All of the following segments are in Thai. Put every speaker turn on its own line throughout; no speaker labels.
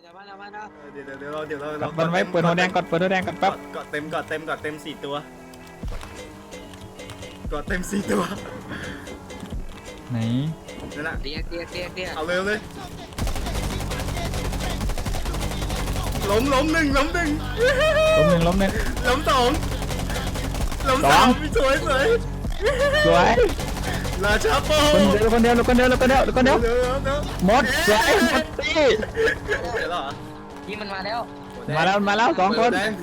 กดมันไว้เปิดหัวแดงก่อนเปิดหัวแดงก่อนแป๊บ
กดเต็ม4 ตัวกดเต็ม4 ตัว
ไหน
นั่นแหละ
เตี้ย
เอาเร็วเลยล้มหนึ่ง
ล้มหนึ่ง
ล้ม2ล้ม3สวย
สวย
ราชาโป้
คนเดียวหมดสวยหมดตี
เดี๋ยวเหรอ
นี่มันมาแล้ว
มาแล้ว2 คน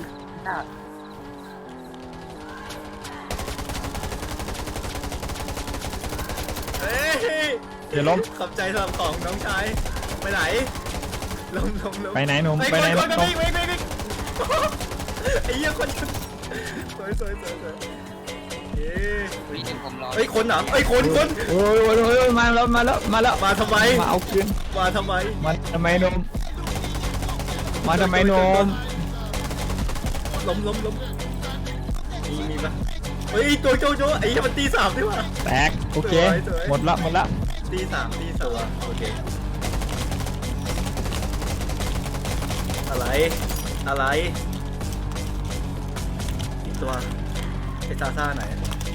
เฮ้ย
เดี๋ยวล้ม
ขอบใจสำหรับของน้องชายไปไหนล้ม
ไปไหนหนุ่มไปไหน
คน
หนุ่ม
ไอ้เหี้ยคนสวยเย้
นี่นึงผมรอ
เฮ้ยคนเหรอเฮ้ยคน
โอ้ยมาแล้ว
มาทำไม
มาเอาคืน
มาทำไม
มาทำไมหนุ่มมาทำไมหนุ่ม
ล้มมีปะเฮ้ยตัวโจไอ้เหี้ยมันตี 3ดิว่ะ
แตกโอเค
สวย
หมดละ
ตีสามโอเคอะไรอีกตัวไอ้ซาซ่าไหน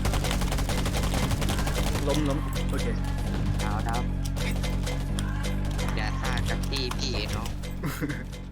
ล้มโอเค
ดาวอย่าฆ่ากับพี่เนาะ